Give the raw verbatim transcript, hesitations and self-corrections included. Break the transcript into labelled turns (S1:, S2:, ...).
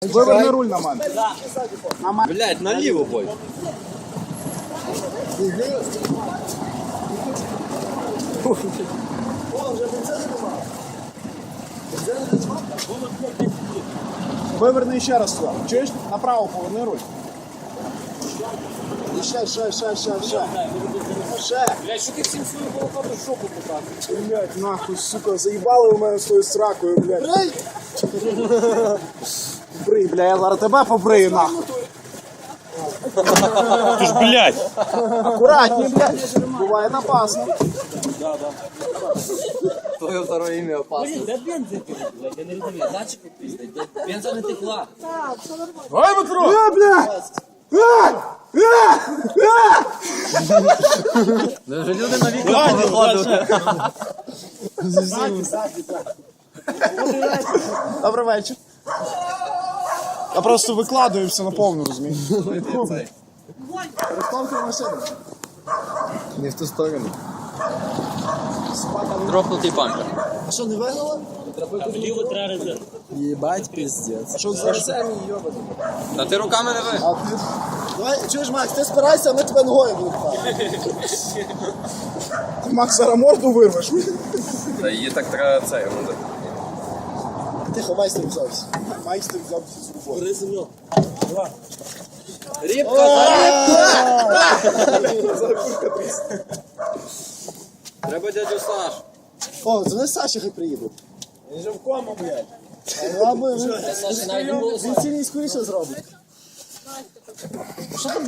S1: Виверни руль на мене.
S2: Блять, наліво бой.
S1: Виверни ще раз сюди. Чуєш? Направо поверни руль. І ще, ще, ще, ще, ще. Ще.
S3: Блядь, що ти всім свою голову шоку показуєш?
S1: Блять, нахуй, сука, заїбали у мене свою сракою, блядь. Брий! Брий, бля, я зараз тебе побрию, нахуй.
S2: Ти ж, блять.
S1: Аккуратней, блядь. Буває опасно.
S2: Твоє второе ім'я опасно.
S3: Блін, де бензин, блядь, я не розумію, датчик пиздить, бензин не текла.
S1: Ой, Петро! Е, блядь! Е! Е! Е!
S2: Вже люди на вікна повиходили.
S1: Добрий вечір. Я просто викладаю все на повну, розумієш? Розставте машину.
S2: Не в ту сторону. Дропнутий бампер.
S1: А що, не вигнала?
S3: Вліво треба резерв.
S1: Єбать, пиздец. А що за
S2: Та ти руками не ви.
S1: А ти... Давай, чуєш, Макс, ти спирайся, а ми тебе ногою будемо пхати. Ти, Макс, зараз морду вирвеш.
S2: Та її так треба це йому.
S1: Тихо, майстер взявся. Майстер взявся з роботи.
S3: Резинок.
S2: Рібка, треба дядю Саш.
S1: О, дзвони Саші, хай приїде.
S3: Він же в кому, блядь.
S1: А, він,
S3: Саша навіть не було.
S1: він сильніше скоріше зробить. Що там